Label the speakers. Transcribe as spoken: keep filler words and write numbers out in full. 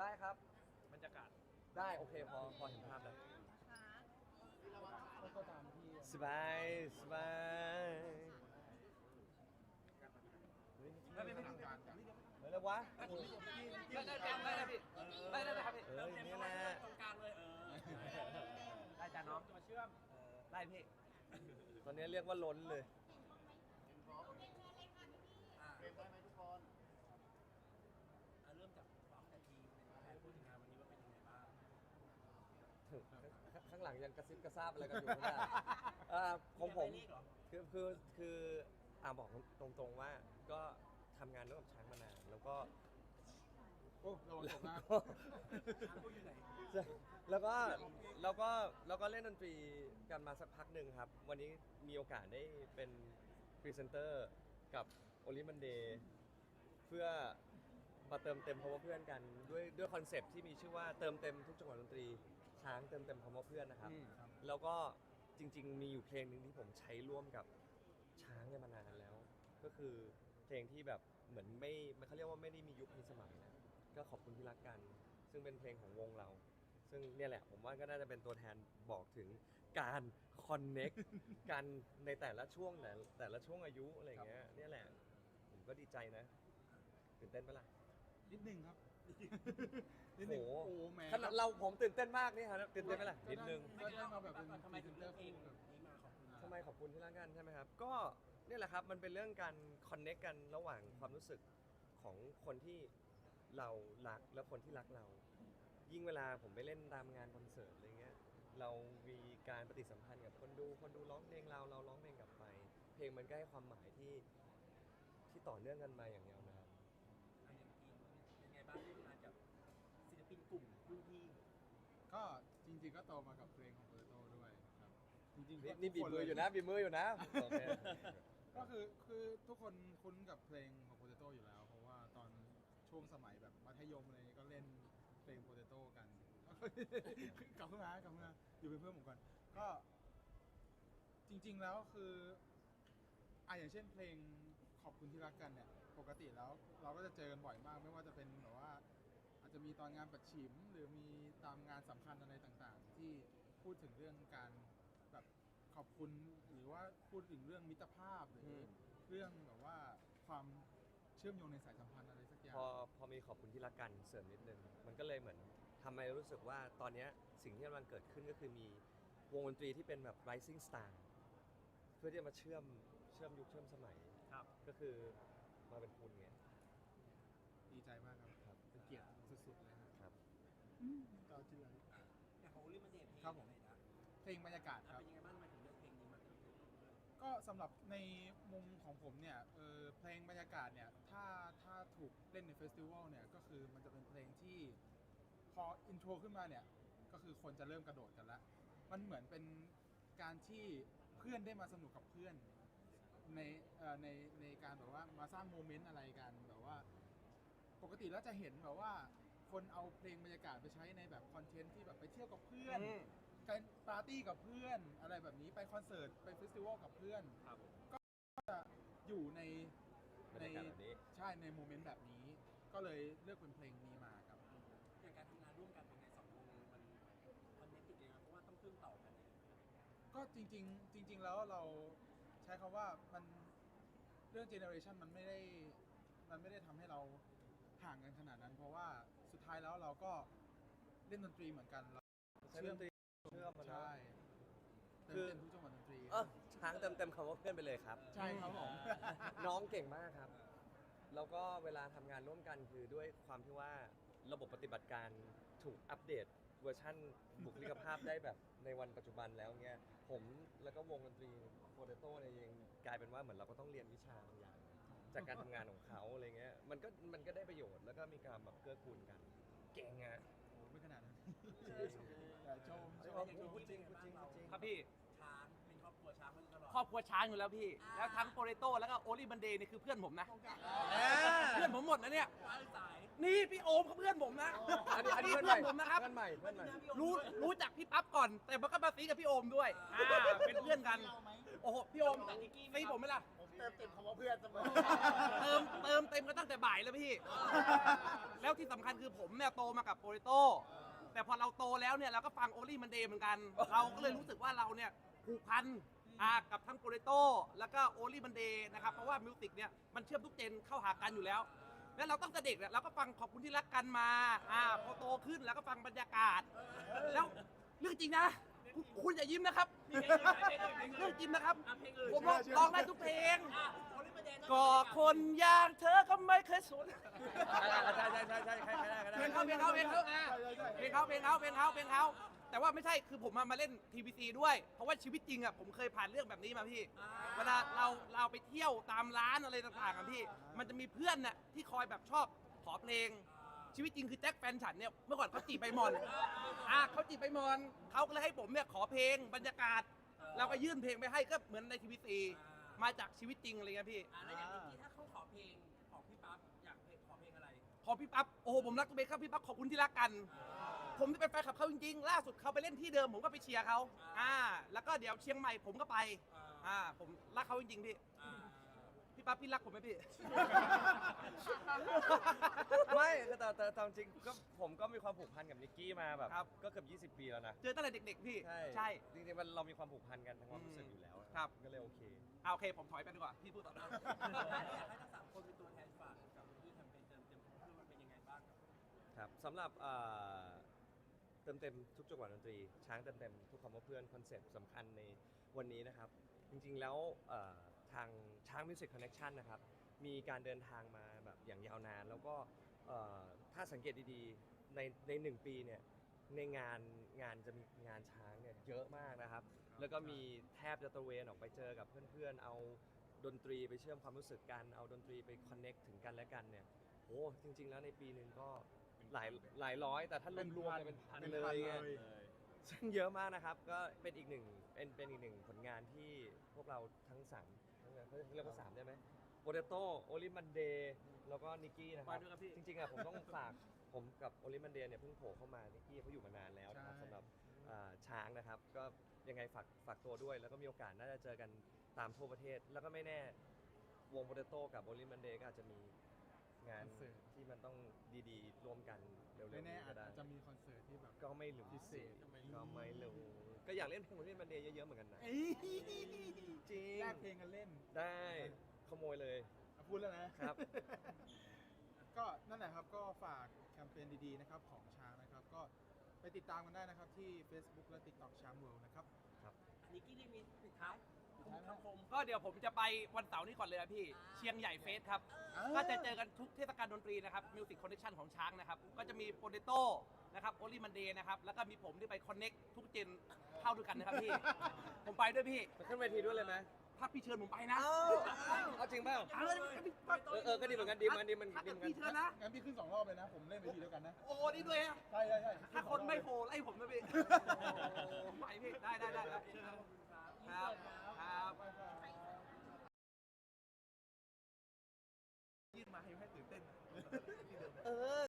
Speaker 1: ได้ครับ
Speaker 2: บรรยากาศ
Speaker 1: ได้โอเคพอพอเห็นภาพแล้ว
Speaker 3: ก็ตามที่
Speaker 1: สบายสบายเฮ้ย
Speaker 2: ไม่ไม่ไม่
Speaker 3: ทางการจาก
Speaker 1: เฮ้ยแล้ววะ
Speaker 2: ได้ได้ได้ได้พี่ได้ได้ได้ครับพี่
Speaker 1: เอ้ยนี่แหละ
Speaker 2: ตรงกลางเลยเออได้จ้าน้องจะมาเชื่อมได้พี่
Speaker 1: ตอนนี้เรียกว่าล้นเลย
Speaker 3: เฟรมได้ไหมทุกคน
Speaker 2: เริ่มจากฟ้องแต่ทีเป็นแทนพูดถึงงานวันนี้ว่าเป็นยังไงบ้าง
Speaker 1: ข้างหลังยังกระซิบกระซาบอะไรกันอยู่ไม่ได้อ่าของผมคือคือคืออ่าบอกตรงๆว่าก็ทำงานร่วมกับช้างมานานแล้วก็
Speaker 3: โอ้ระวังตกนะ
Speaker 1: แล้วก็แล้วก็แล้วก็เล่นดนตรีกันมาสักพักหนึ่งครับ วันนี้มีโอกาสได้เป็นพรีเซนเตอร์กับโอลิมันเดย์เพื่อมาเติมเต็มคำว่าเพื่อนกันด้วยด้วยคอนเซปต์ที่มีชื่อว่าเติมเต็มทุกจังหวะดนตรีช้างเติมเต็มคำว่าเพื่อนนะครับ แล้วก็จริงๆมีอยู่เพลงหนึ่งที่ผมใช้ร่วมกับช้างเนี่ยมานานแล้ว ก็คือเพลงที่แบบเหมือนไม่เขาเรียกว่าไม่ได้มียุคมีสมัยนะก็ขอบคุณที่รักกัน ซึ่งเป็นเพลงของวงเรา ซึ่งเนี่ยแหละผมว่าก็น่าจะเป็นตัวแทนบอกถึงการคอนเน็กกันในแต่ละช่วงแต่แต่ละช่วงอายุอะไรอย่างเงี้ยเนี่ยแหละผมก็ดีใจนะตื่นเต้นปะล่ะ
Speaker 3: นิดนึงครับนิด
Speaker 1: โอ้
Speaker 3: นึง
Speaker 1: โห
Speaker 3: โอ้แหม่
Speaker 1: ขนาดเราผมตื่นเต้นมากนี่ครับตื่นเต้นไหมล่ะนิดนึง
Speaker 3: ก็ได้มาแบบเป็น
Speaker 2: ทำไม
Speaker 3: พรี
Speaker 2: ถึ
Speaker 3: เซ
Speaker 2: ง
Speaker 3: นเต
Speaker 2: เลื
Speaker 3: อ
Speaker 2: อก
Speaker 3: ร์
Speaker 2: เพล
Speaker 3: คู่
Speaker 2: ง
Speaker 3: กับ
Speaker 2: นี้มาขอบคุณ
Speaker 1: ทำไมขอบคุณที่รักกันใช่ไหมครับก็เนี่ยแหละครับมันเป็นเรื่องการคอนเน็กกันระหว่างความรู้สึกของคนที่เรารักและคนที่รักเรา ยิ่งเวลาผมไปเล่นตามงานคอนเสิร์ตอะไรเงี้ยเรามีการปฏิสัมพันธ์กับคนดูคนดูร้องเพลงเราเราร้องเพลงกลับไป เพลงมันก็ให้ความหมายที่ที่ต่อเนื่องกันมาอย่างยาวนาน
Speaker 2: เป็นไงบ้างที่มากับศิลปินกลุ่มรุ่นพี่
Speaker 3: ก็จริงๆก็โตมากับเพลงของโปเตโต้ด้วยครับจริงๆ
Speaker 1: นี่
Speaker 3: ก็
Speaker 1: นี่บี
Speaker 3: ทุ
Speaker 1: บ
Speaker 3: กค
Speaker 1: มืออยู่
Speaker 3: เล
Speaker 1: นะบีบมืออยู่นะโอเค
Speaker 3: ก็คือคือทุกคนคุ้นกับเพลงของโปเตโต้อยู่แล้ว เพราะว่าตอนช่วงสมัยแบบมัธยมอะไรนี้ก็เล่นเพลงโปเตโต้กัน กลับขึ้นมากลับขึ้นมาอยู่เป็นเพื่อนผมก่อนก็จริง ๆแล้วคืออ่ะอย่างเช่นเพลงขอบคุณที่รักกันเนี่ยปกติแล้วเราก็จะเจอกันบ่อยมาก ไม่ว่าจะเป็นแบบว่าอาจจะมีตอนงานปัดฉิม หรือมีตามงานสำคัญอะไรต่างๆ ที่พูดถึงเรื่องการแบบขอบคุณหรือว่าพูดถึงเรื่องมิตรภาพหรืออเรื่องแบบว่าความเชื่อมโยงในสายสัมพันธ์อะไรสักอย่าง
Speaker 1: พอพอมีขอบคุณที่รักกันเสริมนิดนึงมันก็เลยเหมือนทำให้รู้สึกว่าตอนเนี้ยสิ่งที่กำลังเกิดขึ้นก็คือมีวงดนตรีที่เป็นแบบ rising star เพื่อที่จะมาเชื่อมเชื่อมยุคเชื่อมสมัย
Speaker 2: ครับ
Speaker 1: ก็คือมาเป็นคุณไง
Speaker 3: ดีใจมากครับ
Speaker 1: ครับ
Speaker 3: เป็นเกียรติสุดๆเลยครับ
Speaker 1: ครับ
Speaker 3: ต่อที่เลย
Speaker 2: แต่ของลิมันเดทเพลง
Speaker 3: ครับผม
Speaker 2: ไหนนะ
Speaker 3: เพลงบรรยากาศครับ
Speaker 2: เป็นยังไงบ้างทำไมถึงเลือกเพลงนี้มา
Speaker 3: ก็สำหรับในมุมของผมเนี่ยเออเพลงบรรยากาศเนี่ยถ้าถ้าถูกเล่นในเฟสติวัลเนี่ยก็คือมันจะเป็นเพลงที่พออินโทรขึ้นมาเนี่ยก็คือคนจะเริ่มกระโดดกันละมันเหมือนเป็นการที่เพื่อนได้มาสนุกกับเพื่อนในเอ่อในในการแบบว่ามาสร้างโมเมนต์อะไรกันแบบว่าปกติแล้วจะเห็นแบบว่าคนเอาเพลงบรรยากาศไปใช้ในแบบคอนเทนต์ที่แบบไปเที่ยวกับเพื่อน
Speaker 1: อืม
Speaker 3: การปาร์ตี้กับเพื่อนอะไรแบบนี้ไปคอนเสิร์ตไปเฟสติวัลกับเพื่อน
Speaker 2: ครับ
Speaker 3: อยู่ใน
Speaker 1: บรรยากาศแบบนี้
Speaker 3: ใช่ในโมเมนต์แบบนี้ ก็เลยเลือกเป็นเพลงนี้มาครับ
Speaker 2: อย่างการทำงานร่วมกันเป็นไงสองวงมันมันเน็ตติดยังไงเพราะว่าต้องเชื่อมต่อกันเนี่ย
Speaker 3: ก็จริง ๆ จริง ๆ แล้วเราใช้คำว่ามันเรื่องเจเนอเรชันมันไม่ได้มันไม่ได้ทำให้เราห่างกันขนาดนั้น เพราะว่าสุดท้ายแล้วเราก็เล่นดนตรีเหมือนกันเรา
Speaker 1: ใช้ดนตรีเชื่อมมาเนอะ
Speaker 3: ใช่เติม
Speaker 1: คือ
Speaker 3: เต็มทุกจังหวะดนตรี
Speaker 1: เออช้างเต็มเต็มคำว่าเพื่อนไปเลยครับ
Speaker 3: ใช่ครับผม
Speaker 1: น้องเก่งมากครับ แล้วก็เวลาทำงานร่วมกันคือด้วยความที่ว่าระบบปฏิบัติการถูกอัปเดตเวอร์ชั่นบุคลิกภาพได้แบบในวันปัจจุบันแล้วเงี้ยผมแล้วก็วงดนตรีโปเตโต้เนี่ยยังกลายเป็นว่าเหมือนเราก็ต้องเรียนวิชาบางอย่าง จากการทำงานของเขาอะไรเงี้ยมันก็มันก็ได้ประโยชน์แล้วก็มีการแบบเกื้อกูลกัน เก่งอะ
Speaker 3: โอ้ไม่ขนาดนั้นแต่ชมชม
Speaker 1: พูดจริงพูดจริงพูดจริง
Speaker 2: ครับพี่ช้างเป็นครอบครัวช้างมาตลอดครอบครัวช้างอยู่แล้วพี่ แล้วทั้งโปเตโต้แล้วก็โอลิบันเดย์นี่คือเพื่อนผมนะ เพื่อนผมหมดนะเนี่ยสาย
Speaker 4: นี่พี่โอมเขาเพื่อนผมนะ
Speaker 1: อันนี้อันนี้
Speaker 4: เพื่
Speaker 1: เพื่อน
Speaker 4: อน
Speaker 1: ใหม่
Speaker 4: ผมนะครับ
Speaker 1: เพื่อนใหม่เพื่อนใหม่
Speaker 4: รู้รู้จักพี่ปั๊บก่อน แต่มันก็มาซีกับพี่โอมด้วยอ่าเป็นเพื่อนกัน โอ้โหพี่โอมซีผมไหมล่ะ
Speaker 5: ผมเติมเต็มคำว่าเพื่อนเสมอ
Speaker 4: เติมเติมเต็มกันตั้งแต่บ่ายแล้วพี่ แล้วที่สำคัญคือผมเนี่ยโตมากับโปรโตแต่พอเราโตแล้วเนี่ยเราก็ฟังโอลี่มันเดย์เหมือนกัน เราก็เลยรู้สึกว่าเราเนี่ยผูกพันอ่ากับทั้งโปรโตแล้วก็โอลี่มันเดย์นะครับเพราะว่ามิวสิกเนี่ยมันเชื่อมทุกเจนเข้าหากันอยู่แล้ว แล้วเราตั้งแต่เด็กเนี่ยเราก็ฟังขอบคุณที่รักกันมาอ่าพอโตขึ้นแล้วก็ฟังบรรยากาศ แล้วเรื่องจริงนะคุณคุณอย่ายิ้มนะครับ เรื่องจริงนะครับ ผมร้องร้องได้ทุกเพลง ก็คนอย่างเธอก็ไม่เคยสน
Speaker 1: ใช่ใช่ใช่ใช่ใครใครได้ใครได้
Speaker 4: เพลงเขาเพลงเขาเพลงเขาอ่ะเพลงเขาเพลงเขาเพลงเขาเพลงเขาแต่ว่าไม่ใช่คือผมมามาเล่นทีวีซีด้วย เพราะว่าชีวิตจริงอ่ะผมเคยผ่านเรื่องแบบนี้มาพี่ เวลาเราเราไปเที่ยวตามร้านอะไรต่างๆอ่ะพี่ มันจะมีเพื่อนน่ะที่คอยแบบชอบขอเพลง ชีวิตจริงคือแจ็คแฟนฉันเนี่ยเมื่อก่อนเขาจีบใบมอนอ่ะเขาจีบใบมอนเขาก็เลยให้ผมเนี่ยขอเพลงบรรยากาศ เราก็ยื่นเพลงไปให้ก็เหมือนในทีวีซีมาจากชีวิตจริงอะไรเงี้ยพี่
Speaker 2: อ่าแล้วอย่างเมื่อกี้ถ้าเขาขอเพลงของพี่ปั๊บอยากเพลงขอเพลงอะไร
Speaker 4: ขอพี่ปั๊บโอ้โหผมรักตัวเองครับพี่ปั๊บขอบคุณที่รักกัน ผมที่เป็นแฟนคลับเขาจริงๆ ล่าสุดเขาไปเล่นที่เดิมผมก็ไปเชียร์เขาอ่า แล้วก็เดี๋ยวเชียงใหม่ผมก็ไป อ่า ผมรักเขาจริงๆพี่
Speaker 2: อ่า
Speaker 4: พี่ปั๊บพี่รักผมไหมพี่
Speaker 1: ไม่แต่แต่แต่แต่จริงๆก็ผมก็มีความผูกพันกับนิกกี้มาแบบ
Speaker 4: ครับ
Speaker 1: ก็เกือบยี่สิบปีแล้วนะ
Speaker 4: เจอตั้งแต่เด็กๆพี่
Speaker 1: ใช่
Speaker 4: ใช่
Speaker 1: จริงๆมันเรามีความผูกพันกันทางความรู้สึกอยู่แล้ว
Speaker 4: ครับ
Speaker 1: ก็เลยโอเค
Speaker 4: อ่าโอเค ผมถอยไปดีกว่า พี่พูดต่อนะ
Speaker 2: อยากให้ทั้งสามคนเป็นตัวแทนฝากกับที่แคมเปญเติมเต็มเพื่อมันเป็นยังไงบ้างครับ
Speaker 1: ครับสำหรับเอ่อเติมเต็มทุกจังหวะดนตรี ช้างเติมเต็มทุกคำว่าเพื่อนคอนเซ็ปต์สำคัญในวันนี้นะครับ จริงๆแล้วเอ่อทางช้างมิวสิกคอนเน t ชันนะครับ มีการเดินทางมาแบบอย่างยาวนาน แล้วก็เอ่อถ้าสังเกตดีๆ ในในหนึ่งปีเนี่ยในงานงานจะมีงานช้างเนี่ยเยอะมากนะครับ แล้วก็มีแทบจะตระเวนออกไปเจอกับเพื่อนๆ เอาดนตรีไปเชื่อมความรู้สึกกัน เอาดนตรีไปคอนเน็กถึงกันและกันเนี่ยโอ้จริง ๆ แล้วในปีหนึ่งก็หลายหลายร้อย แต่ถ้ารวมๆเนี่ยเป็นพันเลยไงซึ่งเยอะมากนะครับ ก็เป็นอีกหนึ่งเป็นเป็นอีกหนึ่งผลงานที่พวกเราทั้งสามทั้งเขาเรียกว่าสามได้ไหมโปเตโต้โอลิมันเดย์แล้วก็นิกกี้นะครับ
Speaker 4: ไปด้วยครับพี่
Speaker 1: จริงๆอ่ะผมต้องฝากผมกับโอลิมันเดย์เนี่ยเพิ่งโผล่เข้ามานิกกี้เขาอยู่มานานแล้วนะครับ
Speaker 3: ใช่
Speaker 1: สำหรับอ่าช้างนะครับ ก็ยังไงฝากฝากตัวด้วย แล้วก็มีโอกาสน่าจะเจอกันตามทั่วประเทศ แล้วก็ไม่แน่วงโปเตโต้กับโอลิมันเดย์ก็อาจจะมีงานที่มันต้องดีๆ ร่วมกันเร็วๆ
Speaker 3: ไม่แน่
Speaker 1: นี้
Speaker 3: อา
Speaker 1: ก็
Speaker 3: จ
Speaker 1: ได้
Speaker 3: จะมีคอนเสิร์ตที่แบบ
Speaker 1: ก็ไม่รู้
Speaker 3: พิเศษ
Speaker 1: ก็ไม่รู้ก็อยากเล่นเพลงโอลิมันเดย์เยอะๆเหมือนกันนะ
Speaker 3: เอ้ย
Speaker 1: จริง
Speaker 3: แลกเพลงกันเล่น
Speaker 1: ได้ขโมยเลย
Speaker 3: อ่ะพูดแล้วนะ
Speaker 1: ครับ
Speaker 3: ก็นั่นแหละครับก็ฝากแคมเปญดีๆนะครับของช้างนะครับ ก็ไปติดตามกันได้นะครับที่ Facebook และ TikTok ช้างเวิลด์นะครับ
Speaker 2: อันนี้กี้ได้มีปิดท้ายคำคม
Speaker 4: ก็เดี๋ยวผมจะไปวันเสาร์นี้ก่อนเลยนะพี่ เชียงใหญ่เฟสครับ ก็จะเจอกันทุกเทศกาลดนตรีนะครับมิวสิกคอนเนคชั่นของช้างนะครับ ก็จะมีโปเตโต้นะครับโอลิมันเดย์นะครับ แล้วก็มีผมที่ไปคอนเน็กทุกเจนเข้าด้วยกันนะครับพี่ ผมไปด้วยพี่
Speaker 1: ไปขึ้นเวทีด้วยเลยไหม
Speaker 4: ถ้าพี่เชิญผมไปนะ
Speaker 1: เอาจริงเปล่า
Speaker 4: เอาเลยพี่ปั๊บ
Speaker 1: เออเออก็ดีเหมือนกันดีเหมือนกันดีเหมือน
Speaker 4: ถ้า
Speaker 1: ดี
Speaker 4: เกิ
Speaker 1: เห
Speaker 4: ด
Speaker 1: มือนกัน
Speaker 4: พี่เชิญนะ
Speaker 3: งั้นพี่ขึ้นสองรอบเลยนะ ผมเล่นเวทีเดียวกันนะ
Speaker 4: โอ้นี่ด้วยอะ
Speaker 3: ใช่ใช่ใช่
Speaker 4: ถ้าคนไม่โผล่ไล่ผมนะพี่ผมไปพี่ ได้ได้ได้ได้เชิญครับครับครับ ยื่นมาให้ให้ตื่นเต้น